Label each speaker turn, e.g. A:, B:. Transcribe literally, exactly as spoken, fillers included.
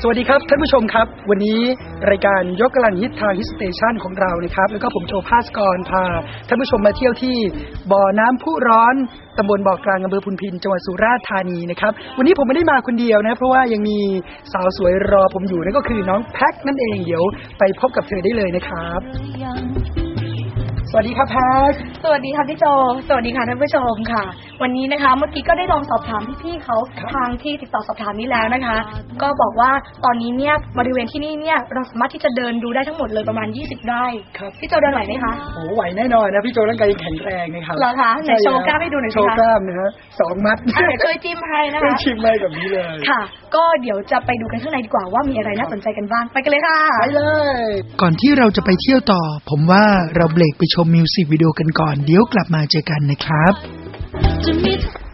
A: วัสดีครับท่านผู้ชมครับวันนี้รายการยกกำลังฮิตทางฮิตสเตชันของเรานะครับแล้วก็ผมโจภาสกรพาท่านผู้ชมมาเที่ยวที่บ่อน้ำพุร้อนตำบลบ่อกลางอำเภอพุนพินจังหวัดสุราษฎร์ธานีนะครับวันนี้ผมไม่ได้มาคนเดียวนะเพราะว่ายังมีสาวสวยรอผมอยู่นั่นก็คือน้องแพ็คนั่นเองเดี๋ยวไปพบกับเธอได้เลยนะครับสวัสดีครับแพ็ค
B: สวัสดีค่ะพี่โจสวัสดีค่ะท่านผู้ชมค่ะวันนี้นะคะเมื่อกี้ก็ได้ลองสอบถามพี่ๆเขาทางที่ติดต่อสอบถามนี้แล้วนะคะก็บอกว่าตอนนี้เนี่ยบริเวณที่นี่เนี่ยเราสามารถที่จะเดินดูได้ทั้งหมดเลยประมาณยี่สิบไร่
A: ครับ
B: พี่โจเดินไหวไหมคะ
A: โอ้ไหวแน่นอนนะพี่โจร่างกายแข็งแรงนะครับ
B: เหรอคะไหนโชว์กล้ามให้ดูหน่อยสิคะ
A: โชว์กล้ามนะฮะสองมัด
B: เดี๋ยวช่วยจิ้มให้นะคะ
A: ช่วยชิมให้แบบนี้เลย
B: ค่ะก็เดี๋ยวจะไปดูกันข้างในดีกว่าว่ามีอะไรน่าสนใจกันบ้างไปกันเลยค่ะ
A: ไปเลยก่อนที่เราจะไปเที่ยวต่อผมว่าเราเบรกไปชมมิวสิกวิดีโอกันก่อนเดี๋ยวกลับมาเจอกันนะครับ